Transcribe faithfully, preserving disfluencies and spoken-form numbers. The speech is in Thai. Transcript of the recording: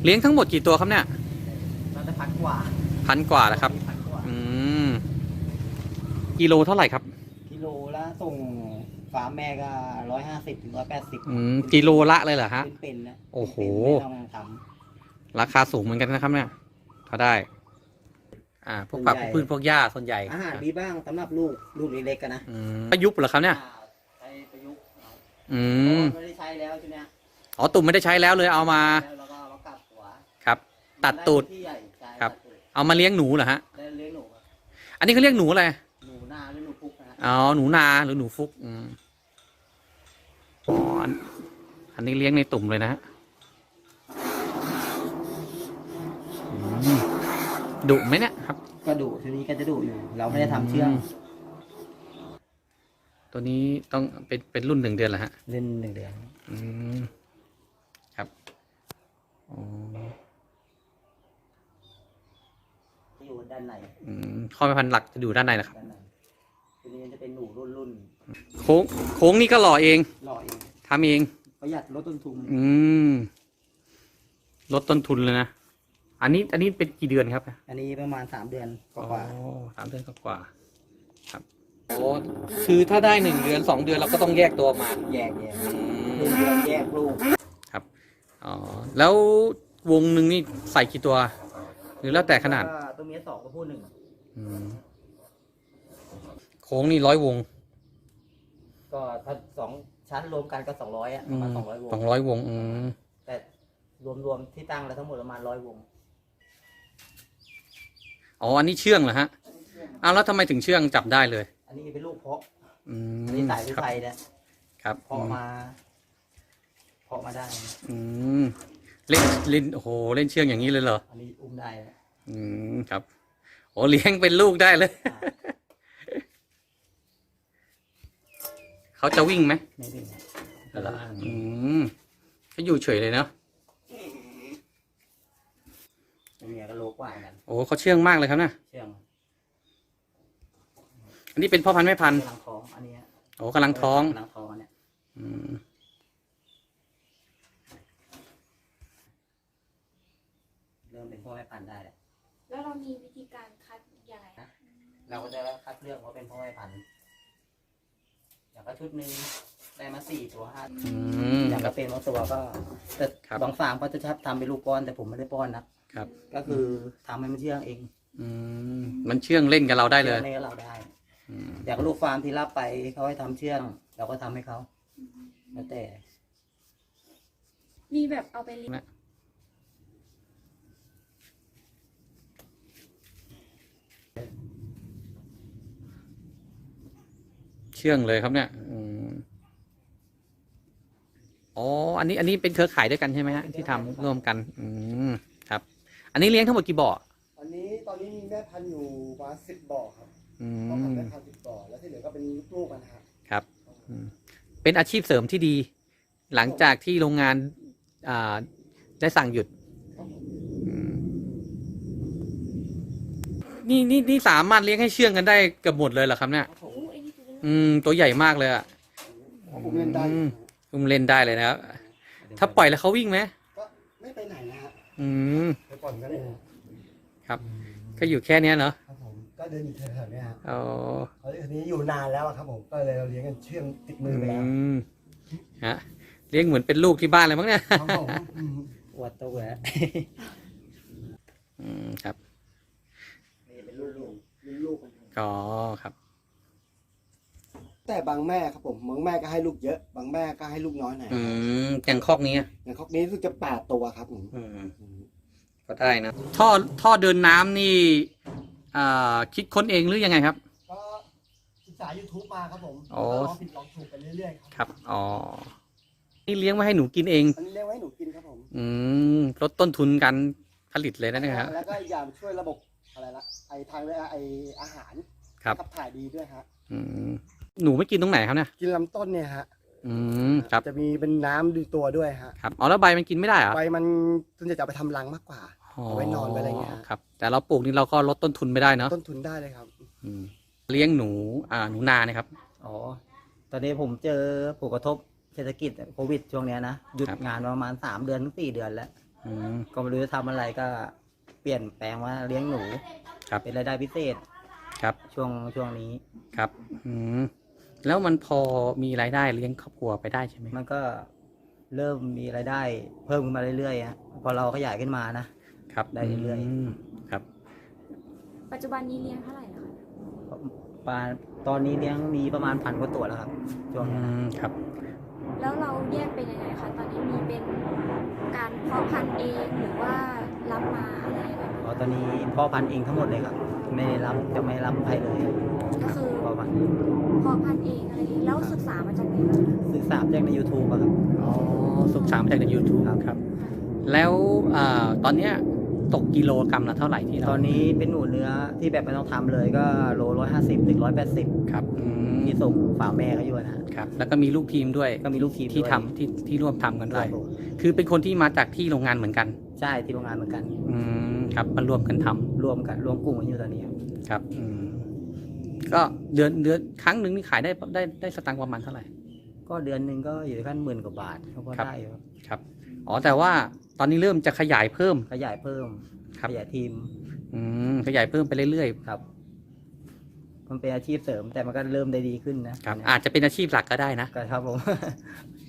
เลี้ยงทั้งหมดกี่ตัวครับเนี่ยน่าจะพันกว่าพันกว่านะครับอืมกิโลเท่าไหร่ครับกิโลละส่งฟาร์มแม่ก็ร้อยห้าสิบถึงร้อยแปดสิบอืมกิโลละเลยเหรอฮะเป็นๆนะโอ้โหไม่ต้องทำราคาสูงเหมือนกันนะครับเนี่ยถ้าได้อ่าพวกผักพวกพืชพวกหญ้าส่วนใหญ่อาหารดีบ้างสำหรับลูกลูกเล็กๆกันนะอืมประยุกต์เหรอครับเนี่ยใช้ประยุกต์อืมไม่ได้ใช้แล้วใช่ไหมอ๋อตุ่มไม่ได้ใช้แล้วเลยเอามาแล้วก็มากลับหัวครับตัดตูดครับเอามาเลี้ยงหนูเหรอฮะเลี้ยงหนูอันนี้เขาเรียกหนูอะไรหนูนาหรือหนูฟุกนะอ๋อหนูนาหรือหนูฟุกอืมอ๋ออันนี้เลี้ยงในตุ่มเลยนะฮะดุไหมเนี่ยครับก็ดุทีนี้ก็จะดุอยู่เราไม่ได้ทำเชื่องตัวนี้ต้องเป็นเป็นรุ่นหนึ่งเดือนเหรอฮะเล่นหนึ่งเดือนอืมครับอ๋ออยู่ด้านในอืมข้อแม่พันธุ์หลักจะอยู่ด้านในนะครับตัวนี้จะเป็นหนูรุ่นรุ่นโค้งโค้งนี่ก็หล่อเองหล่อเองทำเองประหยัดลดต้นทุนอืมลดต้นทุนเลยนะอันนี้อันนี้เป็นกี่เดือนครับอันนี้ประมาณสามเดือนกว่าสามเดือนกว่าครับโอ้คือถ้าได้หนึ่งเดือนสองเดือนเราก็ต้องแยกตัวมาแยกแยกหนึ่งเดือนแยกลูกครับอ๋อแล้ววงหนึ่งนี่ใส่กี่ตัวหรือแล้วแต่ขนาดตัวเมียสองตัวผู้หนึ่งโค้งนี่ร้อยวงก็ถ้าสองชั้นรวมกันก็สองร้อยอ่ะประมาณสองร้อยวงสองร้อยวงอืมแต่รวมๆที่ตั้งแล้วทั้งหมดประมาณร้อยวงอ๋ออันนี้เชื่องเหรอฮะอ้าวแล้วทำไมถึงเชื่องจับได้เลยอันนี้เป็นลูกเพาะอันนี้สายวิสัยเนี่ยครับเพาะมาเพาะมาได้อืมเล่นเล่นโอ้โหเล่นเชื่องอย่างนี้เลยเหรออันนี้อุ้มได้อืมครับโอ้เลี้ยงเป็นลูกได้เลยเขาจะวิ่งไหมไม่วิ่งเหรออืมเขาอยู่เฉยเลยเนาะเมียก็โลกว่ากันโอ้เขาเชื่องมากเลยครับนะเชื่องอันนี้เป็นพ่อพันธุ์แม่พันธุ์กำลังท้องอันนี้โอ้กำลังท้องกำลังท้องเนี่ยอืมเริ่มเป็นพ่อแม่พันธุ์ได้แล้วแล้วเรามีวิธีการคัดยังไงนะเราก็จะคัดเลือกว่าเป็นพ่อแม่พันธุ์อย่างก็ชุดหนึ่งได้มาสี่ตัวห้าอย่างก็เป็นบางตัวก็แต่บางฟาร์มก็จะทำเป็นลูกป้อนแต่ผมไม่ได้ป้อนนะครับก็คือทำให้มันเชื่องเองอืมมันเชื่องเล่นกับเราได้เลยเล่นกับเราได้อย่างลูกฟาร์มที่รับไปเขาให้ทำเชื่องเราก็ทำให้เขาแล้วแต่มีแบบเอาไปเลี้ยงเชื่องเลยครับเนี่ยอ๋ออันนี้อันนี้เป็นเครือข่ายด้วยกันใช่ไหมฮะที่ทำร่วมกันอืมครับอันนี้เลี้ยงทั้งหมดกี่บ่ออันนี้ตอนนี้มีแม่พันธุ์อยู่ประมาณสิบบ่อครับพ่อพันธุ์แม่พันธุ์สิบบ่อแล้วที่เหลือก็เป็นลูกๆกันครับครับเป็นอาชีพเสริมที่ดีหลังจากที่โรงงานอ่าได้สั่งหยุดนี่นี่นี่สามารถเลี้ยงให้เชื่องกันได้เกือบหมดเลยเหรอครับเนี่ยอืมตัวใหญ่มากเลยอ่ะผมเล่นได้ผมเล่นได้เลยนะครับถ้าปล่อยแล้วเขาวิ่งไหมก็ไม่ไปไหนนะฮะอืมไปปล่อยก็ได้ครับก็อยู่แค่นี้เนาะครับผมก็เดินอยู่แถวๆนี้ครับอ๋อเขาทีนี้อยู่นานแล้วครับผมก็เลยเราเลี้ยงกันเชื่องติดมือไปแล้วฮะเลี้ยงเหมือนเป็นลูกที่บ้านเลยมั้งเนี่ยอวดตัวแหวะอืมครับนี่เป็นลูกลูกลูกอ๋อครับแต่บางแม่ครับผมบางแม่ก็ให้ลูกเยอะบางแม่ก็ให้ลูกน้อยหน่อยอืมอย่างคอกนี้อย่างคอกนี้รู้สึกจะแปดตัวครับผมก็ได้นะท่อท่อเดินน้ำนี่อ่าคิดค้นเองหรือยังไงครับก็ศึกษา ยูทูบ มาครับผมอ๋อลองผิดลองถูกไปเรื่อยๆครับอ๋อนี่เลี้ยงไว้ให้หนูกินเองอันนี้เลี้ยงไว้ให้หนูกินครับผมอืมลดต้นทุนการผลิตเลยนะเนี่ยครับแล้วก็อีกอย่างช่วยระบบอะไรละไอทางไออาหารครับขับถ่ายดีด้วยฮะอืมหนูไม่กินตรงไหนครับเนี่ยกินลำต้นเนี่ยฮะอืมครับจะมีเป็นน้ำดูตัวด้วยฮะครับอ๋อแล้วใบมันกินไม่ได้เหรอใบมันส่วนใหญ่จะไปทำรังมากกว่าเอาไว้นอนไปอะไรเงี้ยครับแต่เราปลูกนี่เราก็ลดต้นทุนไม่ได้เนาะต้นทุนได้เลยครับอืมเลี้ยงหนูอ่าหนูนาเนี่ยครับอ๋อตอนนี้ผมเจอผลกระทบเศรษฐกิจโควิดช่วงนี้นะหยุดงานประมาณสามเดือนถึงสี่เดือนแล้วอืมก็ไม่รู้จะทำอะไรก็เปลี่ยนแปลงว่าเลี้ยงหนูครับเป็นรายได้พิเศษครับช่วงช่วงนี้ครับอืมแล้วมันพอมีรายได้เลี้ยงครอบครัวไปได้ใช่ไหมมันก็เริ่มมีรายได้เพิ่มขึ้นมาเรื่อยๆฮะพอเราขยายขึ้นมานะครับ ได้เรื่อยมครับปัจจุบันนี้เลี้ยงเท่าไหร่แล้วคะปลาตอนนี้เลี้ยงมีประมาณพันกว่าตัวแล้วครับช่วงอืนี้นะมครับแล้วเราแยกเป็นยังไงคะ ตอนนี้มีเป็นการเพาะพันธุ์เองหรือว่ารับมาอะไรยังไงอ๋อตอนนี้พ่อพันธุ์เองทั้งหมดเลยครับ ไม่ได้รับจะไม่รับใครเลยก็คือพ่อพันธุ์เพาะพันธุ์เองอะไรเองแล้วศึกษามาจากไหนบ้างคะศึกษาจากใน YouTube อะครับอ๋อศึกษามาจากใน YouTube ครับครับ แล้วอ่าตอนเนี้ยตกกิโลกรัมละเท่าไหร่ที่เราตอนนี้เป็นหนูเนื้อที่แบบไม่ต้องทำเลยก็โลร้อยห้าสิบถึงร้อยแปดสิบครับอืมที่ส่งฝาแม่เขาอยู่นะฮะครับ แล้วก็มีลูกทีมด้วยก็มีลูกทีมที่ด้วยทำที่ที่ร่วมทำกันคด้รัวยบผมคือเป็นคนที่มาจากที่โรงงานเหมือนกันใช่ที่โรงงานเหมือนกันอืมครับมารวมกันทำรวมกันรวมกลุ่มกันอยู่ตอนนี้ครับครับอืมก็เดือนเดือนครั้งหนึ่งนี่ขายได้ได้ได้สตังค์ประมาณเท่าไหร่ก็เดือนหนึ่งก็อยู่ที่ขั้นหมื่นกว่าบาทเขาก็ครับได้อยู่ครับครับอ๋อแต่ว่าตอนนี้เริ่มจะขยายเพิ่มขยายเพิ่มครับขยายทีมอืมขยายเพิ่มไปเรื่อยครับ มันเป็นอาชีพเสริมแต่มันก็เริ่มได้ดีขึ้นนะครับๆอาจจะเป็นอาชีพหลักก็ได้นะก็ครับผม